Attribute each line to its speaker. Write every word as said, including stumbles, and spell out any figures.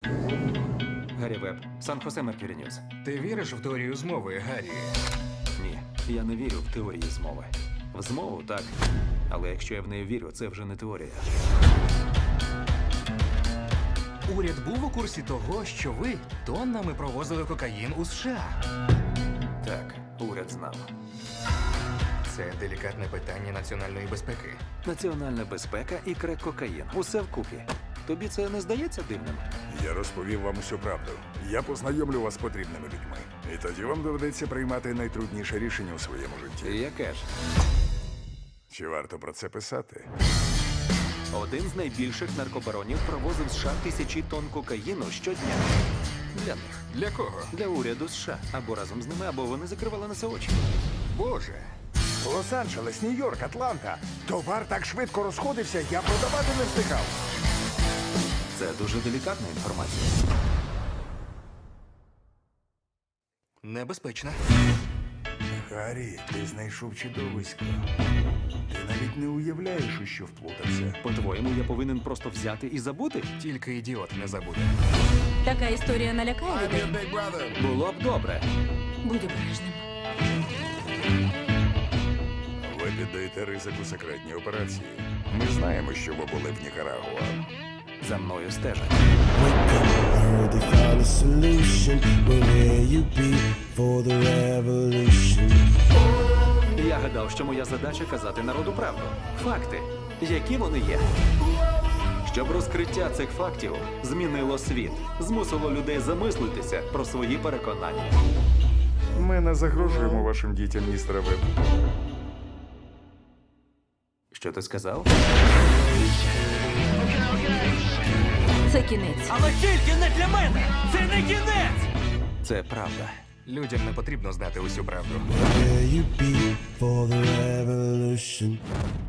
Speaker 1: Гаррі Веб, Сан-Хосе Меркюрі Ньюс.
Speaker 2: Ти віриш в теорію змови, Гаррі?
Speaker 1: Ні, я не вірю в теорії змови. В змову так. Але якщо я в неї вірю, це вже не теорія.
Speaker 2: Уряд був у курсі того, що ви тоннами провозили кокаїн у США.
Speaker 1: Так, уряд знав.
Speaker 2: Це делікатне питання національної безпеки.
Speaker 1: Національна безпека і крек-кокаїн. Усе вкупі. Тобі це не здається дивним?
Speaker 3: Я розповів вам усю правду. Я познайомлю вас з потрібними людьми. І тоді вам доведеться приймати найтрудніше рішення у своєму житті.
Speaker 1: Яке ж?
Speaker 3: Чи варто про це писати?
Speaker 1: Один з найбільших наркобаронів провозив з США тисячі тонн кокаїну щодня. Для них.
Speaker 2: Для кого?
Speaker 1: Для уряду США. Або разом з ними, або вони закривали на це очі.
Speaker 2: Боже.
Speaker 3: Лос-Анджелес, Нью-Йорк, Атланта. Товар так швидко розходився, я продавати не встигав.
Speaker 1: Це дуже делікатна інформація.
Speaker 2: Небезпечно.
Speaker 3: Гаррі, ти знайшов чудовисько. Ти навіть не уявляєш, у що вплутався.
Speaker 1: По-твоєму, я повинен просто взяти і забути?
Speaker 2: Тільки ідіот не забуде.
Speaker 4: Така історія налякає людей.
Speaker 1: Було б добре.
Speaker 4: Будь обережним.
Speaker 3: Ви піддаєте ризику секретній операції. Ми знаємо, що ви були в Нікарагуа.
Speaker 1: За мною стежать.
Speaker 5: I heard they found a solution. Well, where you be for the revolution?
Speaker 1: Я гадав, що моя задача казати народу правду. Факти, які вони є. Щоб розкриття цих фактів змінило світ, змусило людей замислитися про свої переконання.
Speaker 3: Ми не загрожуємо вашим дітям, містера Веб.
Speaker 1: Що ти сказав?
Speaker 4: Це кінець.
Speaker 6: Але тільки не для мене! Це не кінець!
Speaker 1: Це правда.
Speaker 2: Людям не потрібно знати усю правду.
Speaker 5: Where you be for the revolution?